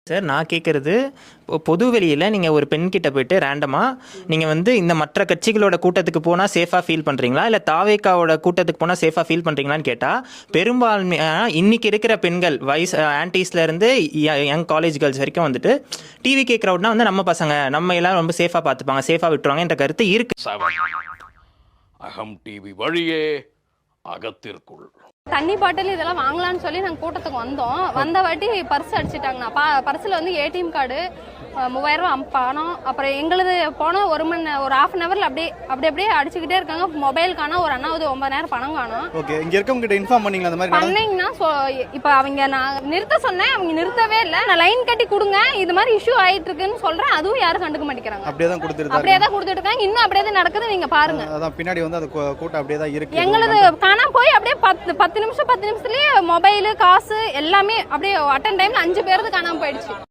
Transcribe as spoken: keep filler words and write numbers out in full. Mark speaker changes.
Speaker 1: Sir நான் கேட்குறது பொது வெளியில் நீங்கள் ஒரு பெண்கிட்ட போயிட்டு ரேண்டமாக நீங்கள் வந்து இந்த மற்ற கட்சிகளோட கூட்டத்துக்கு போனால் சேஃபாக ஃபீல் பண்ணுறீங்களா இல்லை தாவேக்காவோட கூட்டத்துக்கு போனால் சேஃபாக ஃபீல் பண்ணுறீங்களான்னு கேட்டால் பெரும்பான்மையாக இன்றைக்கி இருக்கிற பெண்கள் வயசு ஆன்டிஸ்லேருந்து யங் காலேஜ் கேர்ள்ஸ் வரைக்கும் வந்துட்டு டிவி கே க்ரௌட்னா வந்து நம்ம பசங்க நம்ம எல்லாம் ரொம்ப சேஃபாக பார்த்துப்பாங்க சேஃபாக விட்டுருவாங்க என்ற கருத்து இருக்குது.
Speaker 2: அகம் டிவி வழியே அகத்திற்குள்
Speaker 3: தண்ணி பாட்டில் இதெல்லாம் வாங்கலாம்னு சொல்லி நாங்கள் கூட்டத்துக்கு வந்தோம். வந்த வாட்டி பர்ஸ் அடிச்சிட்டாங்கண்ணா. பா பர்ஸில் வந்து ஏடிஎம் கார்டு மூவாயிரம் ரூபா பணம், அப்புறம் எங்களுது போனோம் ஒரு மணி ஒரு ஹாஃப் அன் ஹவரில் அப்படியே அப்படி அப்படியே அடிச்சுக்கிட்டே இருக்காங்க. மொபைல் காணும், ஒரு அண்ணாவது ஒன்பதாயிரம் பணம் காணும்.
Speaker 4: ஓகே, இங்கே இருக்கவங்க கிட்ட இன்ஃபார்ம் பண்ணீங்களா? அந்த மாதிரி
Speaker 3: பண்ணீங்கன்னா ஸோ இப்போ அவங்க நான் நிறுத்த சொன்னேன், அவங்க நிறுத்தவே இல்லை. நான் லைன் கட்டி கொடுங்க, இது மாதிரி இஷ்யூ ஆகிட்டு இருக்குன்னு சொல்கிறேன், அதுவும் யாரும் கண்டுக்க மாட்டேங்கிறாங்க.
Speaker 4: அப்படியே தான் கொடுத்துருக்காங்க
Speaker 3: அப்படியே தான் கொடுத்துட்டு இருக்காங்க. இன்னும் அப்படியே தான் நடக்குது, நீங்கள் பாருங்க.
Speaker 4: அதான் பின்னாடி வந்து அது கூட்டம் அப்படியே தான் இருக்கு.
Speaker 3: எங்களது காணாம போய் அப்படியே பத்து பத்து நிமிஷம் பத்து நிமிஷத்துலேயே மொபைலு காசு எல்லாமே அப்படியே அட்டன் டைமில் அஞ்சு பேருக்கு காணாமல் போயிடுச்சு.